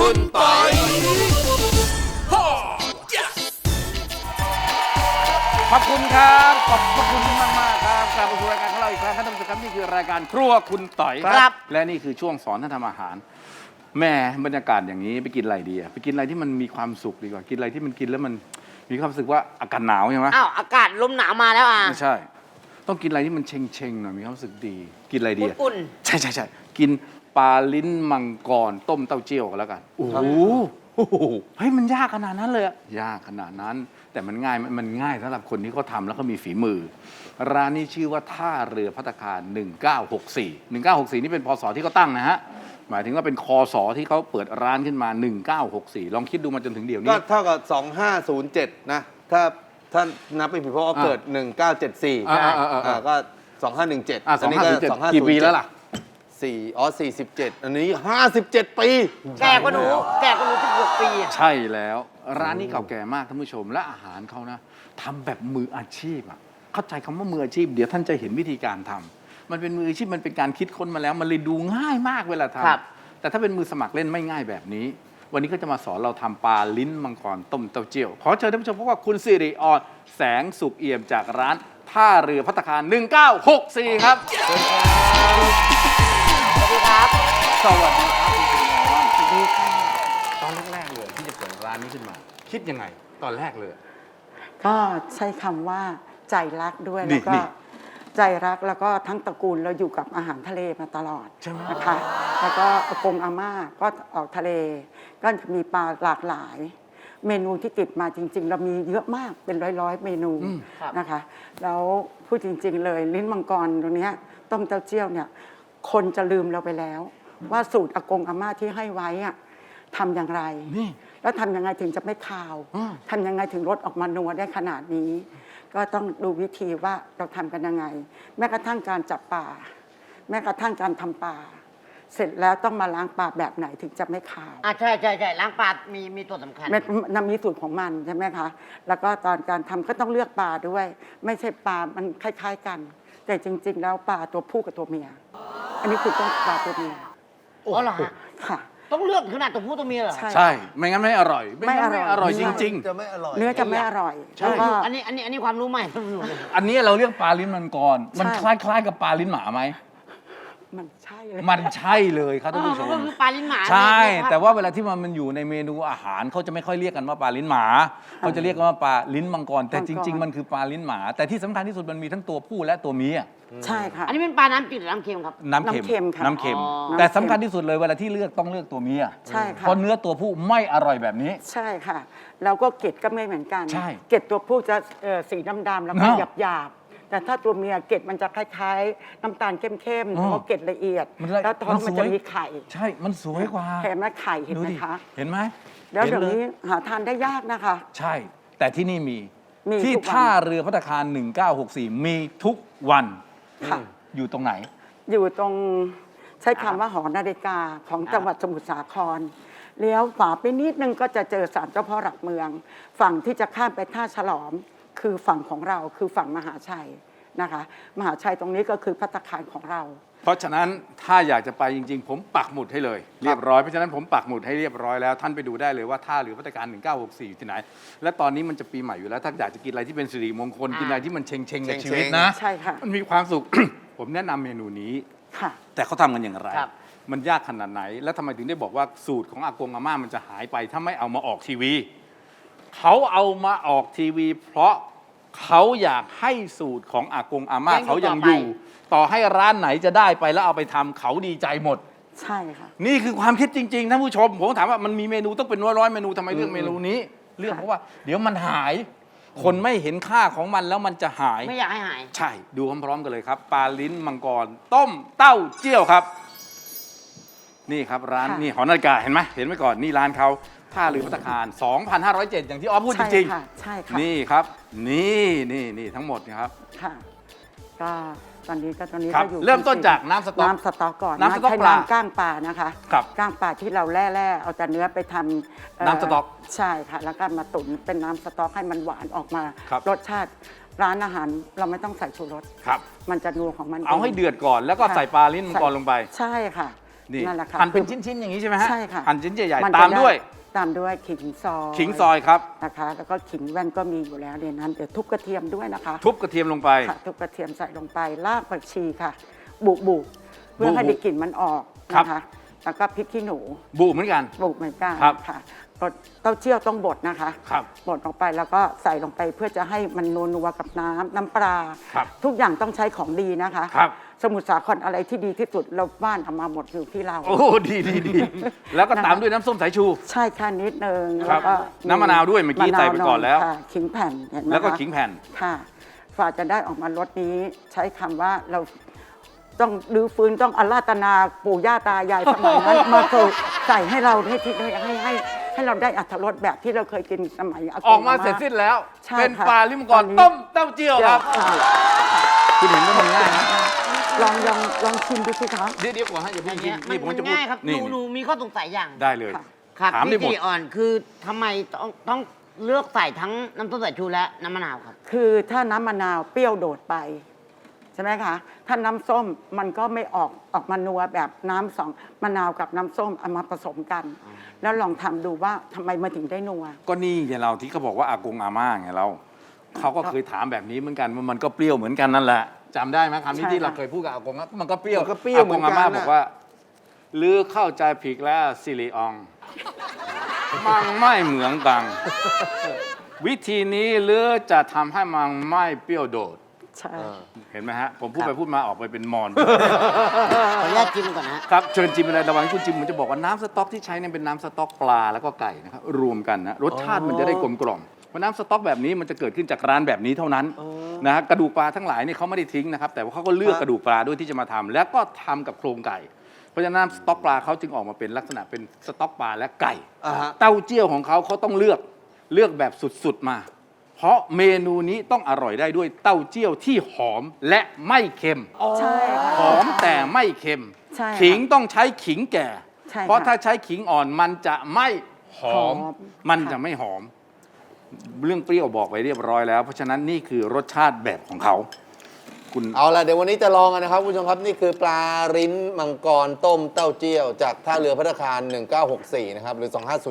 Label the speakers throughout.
Speaker 1: คุณปอยขอบคุณครับขอบคุณมากมากครับกลับมาสู่รายการของเราอีกครั้งท่านผู้ชมครับนี่คือรายการครัวคุณต่อยครับและนี่คือช่วงสอนท่านทำอาหารแม่บรรยากาศอย่างนี้ไปกินอะไรดีอะไปกินอะไรที่มันมีความสุขดีกว่ากินอะไรที่มันกินแล้วมันมีความรู้สึกว่าอากาศหนาวใช่ไหม
Speaker 2: อ้าวอากาศลมหนาวมาแล้วอ่ะ
Speaker 1: ไม่ใช่ต้องกินอะไรที่มันเชงๆหน่อยมีความรู้สึกดีกินอะไรดี
Speaker 2: อุ่น
Speaker 1: ใช่กินปลาลิ้นมังกรต้มเต้าเจี้ยวกันแล้วกันโอ้โหเฮ้ยมันยากขนาดนั้นเลยอะยากขนาดนั้นแต่มันง่ายสำหรับคนที่เขาทำแล้วก็มีฝีมือร้านนี้ชื่อว่าท่าเรือภัตตาคาร1964นี่เป็นพศที่เขาตั้งนะฮะหมายถึงว่าเป็นคศที่เขาเปิดร้านขึ้นมา1964ลองคิดดูมาจนถึงเดี๋ยวนี้
Speaker 3: ก็เท่ากับ2507นะถ้านับเป็นผิดเพราะว่าเกิด1974ก็2517อันนี้ก็2507
Speaker 1: กี่ปีแล้วล่ะ
Speaker 3: 47อันนี้57ปี
Speaker 2: แก่กว่าหนู16 ปี
Speaker 1: ใช่แล้วร้านนี้เก่าแก่มากท่านผู้ชมและอาหารเขานะทำแบบมืออาชีพอะเข้าใจคำว่ามืออาชีพเดี๋ยวท่านจะเห็นวิธีการทำมันเป็นมืออาชีพมันเป็นการคิดค้นมาแล้วมันเลยดูง่ายมากเวลาทำแต่ถ้าเป็นมือสมัครเล่นไม่ง่ายแบบนี้วันนี้ก็จะมาสอนเราทำปลาลิ้นมังกรต้มเต้าเจี้ยวขอเชิญท่านผู้ชมพบกับคุณสิริอรแสงสุขเอี่ยมจากร้านท่าเรือภัตตาคาร1964ครับ
Speaker 2: สวัสดีครับ
Speaker 1: สวัสดีครับคุณสิริอรสวัสดีค่ะตอนแรกๆเลยที่จะเปิดร้านนี้ขึ้นมาคิดยังไงตอนแรกเลย
Speaker 4: ก็ใช้คำว่าใจรักด้วยแล้วก็ใจรักแล้วก็ทั้งตระกูลเราอยู่กับอาหารทะเลมาตลอดนะคะแล้วก็อากงอาม่าก็ออกทะเลก็จะมีปลาหลากหลายเมนูที่ติดมาจริงๆเรามีเยอะมากเป็นร้อยเมนูนะคะแล้วพูดจริงๆเลยลิ้นมังกรตรงนี้ต้มเต้าเจี้ยวเนี่ยคนจะลืมเราไปแล้วว่าสูตรอากงอาม่าที่ให้ไว้อะทำอย่างไรแล้วทำยังไงถึงจะไม่คาวทำยังไงถึงรสออกมานัวได้ขนาดนี้ก็ต้องดูวิธีว่าเราทำกันยังไงแม้กระทั่งการจับปลาแม้กระทั่งการทำปลาเสร็จแล้วต้องมาล้างปลาแบบไหนถึงจะไม่คาว
Speaker 2: ใช่ล้างปลามีตัวสำคัญ
Speaker 4: มันมีสูตรของมันใช่ไหมคะแล้วก็ตอนการทำก็ต้องเลือกปลาด้วยไม่ใช่ปลามันคล้ายๆกันแต่จริงๆแล้วปลาตัวผู้กับตัวเมียอันนี้คือต้องปลาตัวเมีย
Speaker 2: อ๋อเหรอฮะ
Speaker 4: ค่ะ
Speaker 2: ต้องเลือกขนาดตัวผู้ตัวเมียเหรอ
Speaker 1: ใช่ไม่งั้นไม่อร่อยไม่อร่อยจริง
Speaker 3: ๆจะไม่อร่อย
Speaker 4: เนื้อจะไม่อร่อย
Speaker 2: แล้วก็อันนี้ความรู้ใหม่
Speaker 1: อันนี้เราเรียกปลาลิ้นมังกรมันคล้ายๆกับปลาลิ้นหมาไหม
Speaker 4: มันใช่เลย
Speaker 1: มันใช่เลยครับท่านผู้ชม
Speaker 2: ก็คือปลาลิ้นหมา
Speaker 1: ใช่แต่ว่าเวลาที่มันอยู่ในเมนูอาหารเขาจะไม่ค่อยเรียกกันว่าปลาลิ้นหมาเขาจะเรียกกันว่าปลาลิ้นมังกรแต่จริงๆมันคือปลาลิ้นหมาแต่ที่สำคัญที่สุดมันมีทั้งตัวผู้และตัวเมีย
Speaker 4: ใช่ค่ะ
Speaker 2: อันนี้เป็นปลาน้ำจืดหรือน้ำเค็มครับ
Speaker 1: น้ำเค็ม
Speaker 4: ค่ะ
Speaker 1: น้ำเค็มแต่สำคัญที่สุดเลยเวลาที่เลือกต้องเลือกตัวเมีย
Speaker 4: ใช่ค่ะ
Speaker 1: เพราะเนื้อตัวผู้ไม่อร่อยแบบนี้
Speaker 4: ใช่ค่ะแล้วก็เกล็ดก็ไม่เหมือนกัน
Speaker 1: ใช่
Speaker 4: เกล็ดตัวผู้จะสีดำๆแล้วก็หยาบแต่ถ้าตัวเมียเกล็ดมันจะคล้ายๆน้ำตาลเข้มๆแล้วก็เกล็ดละเอียดแล้วท้องมันจะมีไข่
Speaker 1: ใช่มันสวยกว่า
Speaker 4: เห็นไหมไข่เห็นไหมคะ
Speaker 1: เห็นไหม
Speaker 4: แล้วเดี๋ยวนี้หาทานได้ยากนะคะ
Speaker 1: ใช่แต่ที่นี่มีที่ท่าเรือภัตตาคาร1964มีทุกวันอยู่ตรงไหน
Speaker 4: อยู่ตรงใช้คำว่าหอนาฬิกาของจังหวัดสมุทรสาครเลี้ยวขวาไปนิดนึงก็จะเจอศาลเจ้าพ่อหลักเมืองฝั่งที่จะข้ามไปท่าฉลอมคือฝั่งของเราคือฝั่งมหาชัยนะคะมหาชัยตรงนี้ก็คือภัตตาคารของเรา
Speaker 1: เพราะฉะนั้นถ้าอยากจะไปจริงๆผมปักหมุดให้เลยเรียบร้อยเพราะฉะนั้นผมปักหมุดให้เรียบร้อยแล้วท่านไปดูได้เลยว่าท่าเรือภัตตาคาร1964อยู่ที่ไหนและตอนนี้มันจะปีใหม่อยู่แล้วถ้าอยากจะกินอะไรที่เป็นสิริมงคลกินอะไรที่มันเชงๆในชีวิตนะ
Speaker 4: ใช่ค่ะ
Speaker 1: มันมีความสุข ผมแนะนำเมนูนี้แต่เขาทำกันอย่างไรมันยากขนาดไหนแล้วทำไมถึงได้บอกว่าสูตรของอากงอาม่ามันจะหายไปถ้าไม่เอามาออกทีวีเขาเอามาออกทีวีเพราะเขาอยากให้สูตรของอากงอาม่าเขายังอยู่ต่อให้ร้านไหนจะได้ไปแล้วเอาไปทำเขาดีใจหมด
Speaker 4: ใช่ค่ะ
Speaker 1: นี่คือความคิดจริงๆท่านผู้ชมผมถามว่ามันมีเมนูต้องเป็นร้อยเมนูทำไมเลือกเมนูนี้เลือกเพราะว่าเดี๋ยวมันหายคนไม่เห็นค่าของมันแล้วมันจะหาย
Speaker 2: ไม่อยากให้หาย
Speaker 1: ใช่ดูพร้อมๆกันเลยครับปลาลิ้นมังกรต้มเต้าเจี้ยวครับนี่ครับร้านนี่หอนาฬิกาเห็นไหมก่อนนี่ร้านเขาท่าเรือภัตตาคาร2,507อย่างที่ออฟพูดจริง
Speaker 4: ๆใช่ค่ะ
Speaker 1: นี่ครับนี่ทั้งหมดนะครับ
Speaker 4: ค่ะก็ตอนนี้ก็อยู่
Speaker 1: เริ่มต้นจากน้ำสต๊อก
Speaker 4: ก่อน
Speaker 1: น้ำสต๊อกปลา
Speaker 4: ก้างปลานะคะก้างปลาที่เราแล่เอาแต่เนื้อไปทำ
Speaker 1: น้ำสต๊อก
Speaker 4: ใช่ค่ะแล้วก็มาตุ๋นเป็นน้ำสต๊อกให้มันหวานออกมารสชาติร้านอาหารเราไม่ต้องใส่ชูรสมันจะนัวของมัน
Speaker 1: เอาให้เดือดก่อนแล้วก็ใส่ปลาลิ้นมังกรลงไป
Speaker 4: ใช่ค่ะ
Speaker 1: นี่
Speaker 4: นั่นแหละค่ะ
Speaker 1: หั่นเป็นชิ้นๆอย่างนี้ใช่ไหมฮะ
Speaker 4: ใช่ค่ะ
Speaker 1: หั่นชิ้นใหญ่
Speaker 4: มัน
Speaker 1: ๆ
Speaker 4: จะ
Speaker 1: ตามด้วย
Speaker 4: ตามด้วยขิงซอย
Speaker 1: ขิงซอยครับ
Speaker 4: นะคะ แล้วก็ขิงแว่นก็มีอยู่แล้วในนั้นเดี๋ยวทุบกระเทียมด้วยนะคะ
Speaker 1: ทุบกระเทียมลงไป
Speaker 4: ค่ะทุบกระเทียมใส่ลงไปรากผักชีค่ะ บุเพื่อให้ได้กลิ่นมันออก
Speaker 1: ครับ
Speaker 4: นะคะแล้วก็พริกขี้หนู
Speaker 1: บุเหมือนกัน
Speaker 4: บุเหมือนกัน
Speaker 1: ครับ
Speaker 4: ค่ะเต้าเจี้ยวต้องบดนะคะ
Speaker 1: ครับ
Speaker 4: บดลงไปแล้วก็ใส่ลงไปเพื่อจะให้มันนัวๆกับน้ำปลา
Speaker 1: ครับ
Speaker 4: ทุกอย่างต้องใช้ของดีนะคะ
Speaker 1: ครับ
Speaker 4: สมุทรสาครอะไรที่ดีที่สุดเราบ้านเอามาหมดอยู่ที่เรา
Speaker 1: โอ้ดีแล้วก็ตามด้วยน้ำส้มสายชู
Speaker 4: ใช่ค่ะนิดนึง
Speaker 1: ครั
Speaker 4: แล้
Speaker 1: บ
Speaker 4: วก็
Speaker 1: น้ำมะนาวด้วยเมื่อกี้ใส่ไปก่อนแล้ว
Speaker 4: ค่ะขิงแผ่นเห็นไหมคะ
Speaker 1: แล้วก็ขิงแผ่น
Speaker 4: ค่ะฝ่าจะได้ออกมารสนี้ใช้คำว่าเราต้องรื้อฟื้นต้องอาราธนาปู่ย่าตายายสมัยนั้น มาใส่ให้เราให้เราได้อรรถรสแบบที่เราเคยกินสมัยอากง
Speaker 1: ออกมาเสร็จสิ้นแล้ว
Speaker 4: ใช่
Speaker 1: เป็น
Speaker 4: ค่ะ
Speaker 1: ปลาลิมงกร
Speaker 4: ตอนนี้
Speaker 1: ต้มเต้าเจี้ยวครับ
Speaker 4: ค่ะ
Speaker 1: คุณเห็นว่ามันง่ายนะ
Speaker 4: ลองชิมดูสิคะ
Speaker 1: เดี๋ยวก่อนให้อย่า
Speaker 2: อ
Speaker 1: เพิ่
Speaker 2: ย่าง ง
Speaker 1: กิน
Speaker 2: เงี้ย
Speaker 1: นี่ผม
Speaker 2: มัน
Speaker 1: จะพูด
Speaker 2: ง่ายครับ
Speaker 1: นี่
Speaker 2: หนูมีข้อสงสัยอย่าง
Speaker 1: ได้เลย
Speaker 4: ค่ะ
Speaker 2: ครับ
Speaker 1: ถามได้
Speaker 2: พี่
Speaker 1: หมด
Speaker 2: จีอ่อนคือทำไมต้องเลือกใส่ทั้งน้ำส้มสายชูและน้ำมะนาวครับ
Speaker 4: คือถ้าน้ำมะนาวเปรี้ยวโดดไปใช่ไหมคะ ถ้าน้ำส้มมันก็ไม่ออกมานัวแบบน้ำสองมะนาวกับน้ำส้มเอามาผสมกัน แล้วลองทำดูว่าทำไมมาถึงได้นัว
Speaker 1: ก็นี่ไงเราที่เขาบอกว่าอากงอาม่าไงเราเขาก็เคยถามแบบนี้เหมือนกันว่ามันก็เปรี้ยวเหมือนกันนั่นแหละจำได้ไหมคำนี้
Speaker 4: ใช่
Speaker 1: ที่เรา
Speaker 4: ค่ะ
Speaker 1: เคยพูดกับอากงว่ามันก็เปรี้ยว
Speaker 3: มันก็เปรี้ยวเหมือนกัน
Speaker 1: ากงอาม่า
Speaker 3: น่ะ
Speaker 1: บอกว่าลือเข้าใจผิดแล้วซิริออง มันไม่เหมือนกัน วิธีนี้หรือจะทำให้มันไม่เปรี้ยวโดด
Speaker 4: ใช่
Speaker 1: เห็นไหมฮะ ผมพูดไปพูดมาออกไปเป็นมอน
Speaker 2: ขออนุญาตจิ้มก่อนนะฮะ
Speaker 1: ครับเชิญจิมอะไรระหว่างที่คุณจิมผมจะบอกว่าน้ำสต๊อกที่ใช้เนี่ยเป็นน้ำสต๊อกปลาแล้วก็ไก่นะครับรวมกันนะรสชาติมันจะได้กลมกล่อมเพราะน้ำสต๊อกแบบนี้มันจะเกิดขึ้นจากร้านแบบนี้เท่านั้นนะฮะกระดูกปลาทั้งหลายเนี่ยเขาไม่ได้ทิ้งนะครับแต่ว่าเขาก็เลือกกระดูกปลาด้วยที่จะมาทำแล้วก็ทำกับโครงไก่ เพราะฉะนั้นน้ำสต๊อกปลาเขาจึงออกมาเป็นลักษณะเป็นสต๊อกปลาและไก่
Speaker 3: อ่าฮะ
Speaker 1: เต้าเจี้ยวของเขาต้องเลือกแบบสุดๆมา เพราะเมนูนี้ต้องอร่อยได้ด้วยเต้าเจี้ยวที่หอมและไม่เค็ม
Speaker 4: ใช่ค่ะ
Speaker 1: หอมแต่ไม่เค็ม
Speaker 4: ใช่ค่ะ
Speaker 1: ขิงต้องใช้ขิงแก่
Speaker 4: ใช่ค่ะ
Speaker 1: เพราะถ้าใช้ขิงอ่อนมันจะไม่หอม
Speaker 4: หอม
Speaker 1: มัน
Speaker 4: ค่ะ
Speaker 1: จะไม่หอม เรื่องเปรี้ยวบอกไปเรียบร้อยแล้ว เพราะฉะนั้นนี่คือรสชาติแบบของเขา คุณ
Speaker 3: เอาล่ะเดี๋ยววันนี้จะลองกันนะครับคุณผู้ชมครับนี่คือปลาริ้นมังกรต้มเต้าเจี้ยว จากท่าเรือพัฒคาร 1964 นะครับหรือ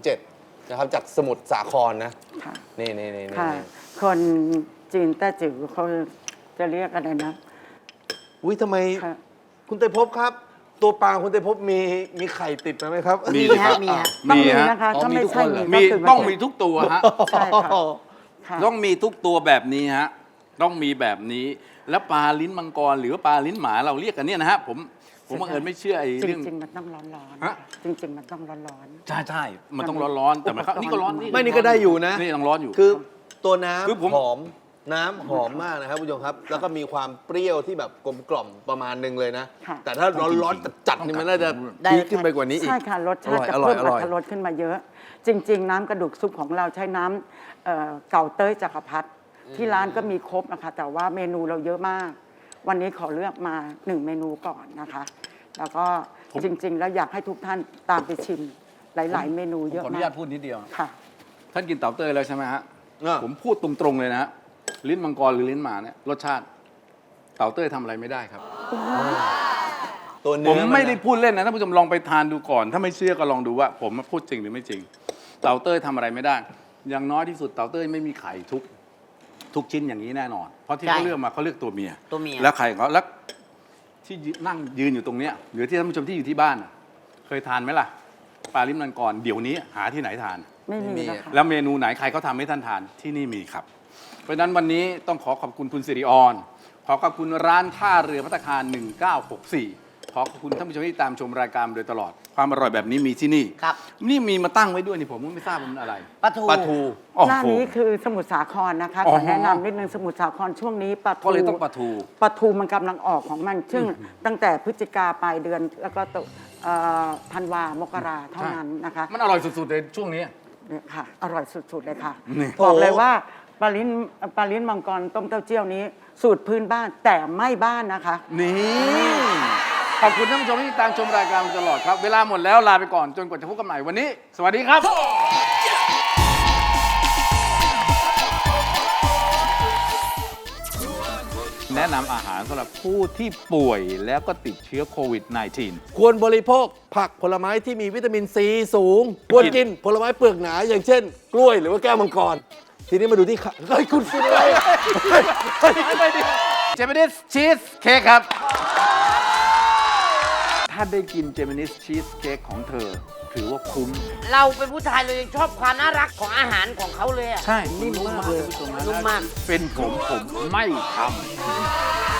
Speaker 3: 2507 นะครับจากสมุทรสาครนะ
Speaker 4: ค่ะ
Speaker 3: นี่
Speaker 4: ค่ะ คนจีนแต้จิ๋วเขาจะเรียกอะไรนะ
Speaker 3: อุ้ยทำไม
Speaker 4: ค่ะ
Speaker 3: คุณเตยภพครับ ตัวปลาคุณเตยภพมีไข่ติดมาไหมครับ
Speaker 1: มี
Speaker 2: มี
Speaker 1: ค
Speaker 2: ฮะ
Speaker 1: รับ
Speaker 2: มีฮะ
Speaker 4: ต้องมี
Speaker 1: ฮะ
Speaker 4: นะคะ
Speaker 3: อ๋อ
Speaker 4: ถ้า
Speaker 3: มี
Speaker 4: ไม่
Speaker 3: ทุก
Speaker 4: ใช่
Speaker 3: คนเหรอ
Speaker 1: มี
Speaker 4: ก็คื
Speaker 1: ต้องมีทุกตัวฮะ
Speaker 4: ใช่ค่ะค่ะ
Speaker 1: ต้องมีทุกตัวแบบนี้ฮะต้องมีแบบนี้ แล้วปลาลิ้นมังกรหรือว่าปลาลิ้นหมาเราเรียกกันเนี่ยนะฮะผมบังเอิญไม่เชื่อไอ้
Speaker 4: จ
Speaker 1: เรื่อง
Speaker 4: ริงๆมันต้องร้อน
Speaker 1: ฮะ
Speaker 4: ๆจริง ๆ มันต้องร้อน
Speaker 1: ใช่มันต้องร้อนๆแต่มันนี่ก็ร้อน
Speaker 3: ไม่นี่ก็ได้อยู่นะ
Speaker 1: นี่ต้องร้อนอยู่
Speaker 3: คือตัวน้
Speaker 1: คือผม
Speaker 3: ำหอมน้ำหอมมากนะครับคุณผู้ชมครับ แล้วก็มีความเปรี้ยวที่แบบกลมกล่อมประมาณหนึงเลยนะ
Speaker 4: ค่ะ
Speaker 3: แต่ถ้าร้อนๆจัดๆนี่มันน่าจะ
Speaker 2: ได้
Speaker 3: พีคขึ้นไปกว่านี้อีก
Speaker 4: ใช่ค่ะรสชาติจะ
Speaker 3: อร่อย
Speaker 4: เพิ่ม
Speaker 3: อร่อย
Speaker 4: รสขึ้นมาเยอะ จริง ๆ น้ำกระดูกซุปของเราใช้น้ำเก่าเต้ยจักรพรรดิที่ร้านก็มีครบนะคะ แต่ว่าเมนูเราเยอะมาก วันนี้ขอเลือกมา1เมนูก่อนนะคะ แล้วก็จริง ๆ แล้วอยากให้ทุกท่านตามไปชิมหลาย ๆ เมนู
Speaker 1: ผม
Speaker 4: เยอะ
Speaker 1: ขออนุ
Speaker 4: มา
Speaker 1: ญาก ตพูดนิดเดียว
Speaker 4: ค่ะ
Speaker 1: ท่านกินเต่าเต้ยแล้วใช่ไหมฮะ
Speaker 3: อ่ะ
Speaker 1: ผมพูดตรงๆเลยนะฮะลิ้นมังกรหรือลิ้นหมาเนี่ยรสชาติ เต่าเต้ยทำอะไรไม่ได้ครับ
Speaker 3: ตัว
Speaker 1: ผ
Speaker 3: เนื้อ
Speaker 1: มไม่ได้พูดเล่นนะท่านผู้ชมลองไปทานดูก่อน ถ้าไม่เชื่อก็ลองดูว่า ผมพูดจริงหรือไม่จริง เต่าเต้ยทำอะไรไม่ได้ อย่างน้อยที่สุดเต่าเต้ยไม่มีไข่ทุกชิ้นอย่างนี้แน่นอน เพราะที่
Speaker 2: ใช่
Speaker 1: เขาเลือกมาเขาเลือกตัวเมีย
Speaker 2: ตัวเมีย
Speaker 1: แล้วไข่ของเขาแล้วที่นั่งยืนอยู่ตรงเนี้ยหรือที่ท่านผู้ชมที่อยู่ที่บ้านน่ะเคยทานไหมล่ะปลาลิ้นมังกรเดี๋ยวนี้หาที่ไหนทาน
Speaker 4: ไม่มีแล้วค่ะ
Speaker 1: แล้วเมนูไหนใครเขาทำให้ท่านทานที่นี่มีครับ เพราะฉะนั้นวันนี้ต้องขอขอบคุณคุณสิริออนขอขอบคุณร้านท่าเรือภัตตาคาร 1964 ขอขอบคุณท่านผู้ชมที่ตามชมรายการมาโดยตลอด ความอร่อยแบบนี้มีที่นี่
Speaker 2: ครับ
Speaker 1: นี่มีมาตั้งไว้ด้วยนี่ผมก็ไม่ทราบมันอะไร
Speaker 2: ปลาทู
Speaker 3: ปลาทู
Speaker 1: โอ้
Speaker 4: หน้า
Speaker 1: โห
Speaker 4: นี้คือสมุทรสาครนะคะ
Speaker 1: อ๋
Speaker 4: ข
Speaker 1: อ
Speaker 4: อแนะนำนิดนึงสมุทรสาครช่วงนี้ปลาทู
Speaker 1: ก็เลยต้องปลาทู
Speaker 4: ปลาทูมันกำลังออกของมัน ซึ่งตั้งแต่พฤศจิกาปลายเดือน แล้วก็ธันวามกราเท่านั้นนะคะ
Speaker 1: มันอร่อยสุดๆเลยช่วงนี้
Speaker 4: เนี่ยค่ะ อร่อยสุด ๆ เลยค่ะ
Speaker 1: นี่
Speaker 4: บอกเลยว่าปลาลิ้นมังกรต้มเต้าเจี้ยวนี้ สูตรพื้นบ้านแต่ไม่บ้านนะคะ
Speaker 1: นี่ขอบคุณท่านผู้ชมที่ตามชมรายการมาตลอดครับ เวลาหมดแล้วลาไปก่อนจนกว่าจะพบกันใหม่วันนี้ สวัสดีครับ แนะนะนำอาหารสำหรับผู้ที่ป่วยแล้วก็ติดเชื้อโควิด -19
Speaker 3: ควรบริโภคผักผลไม้ที่มีวิตามินซีสูง ควรกินผลไม้เปลือกหนาอย่างเช่น กล้วยหรือว่าแก้วมังกร ทีนี้มาดูที่เฮ้ยคุณกินอะไร
Speaker 1: เจมินิสชีสเค้กครับ ถ้าได้กินเจมินิสชีสเค้กของเธอ ถือว่าคุ้ม
Speaker 2: เราเป็นผู้ชายเรายังชอบความน่ารักของอาหารของเขาเลยอะ
Speaker 1: ใช่ นิ่มมากเลย
Speaker 2: นุ่มมาก
Speaker 1: เป็นผมไม่ทำ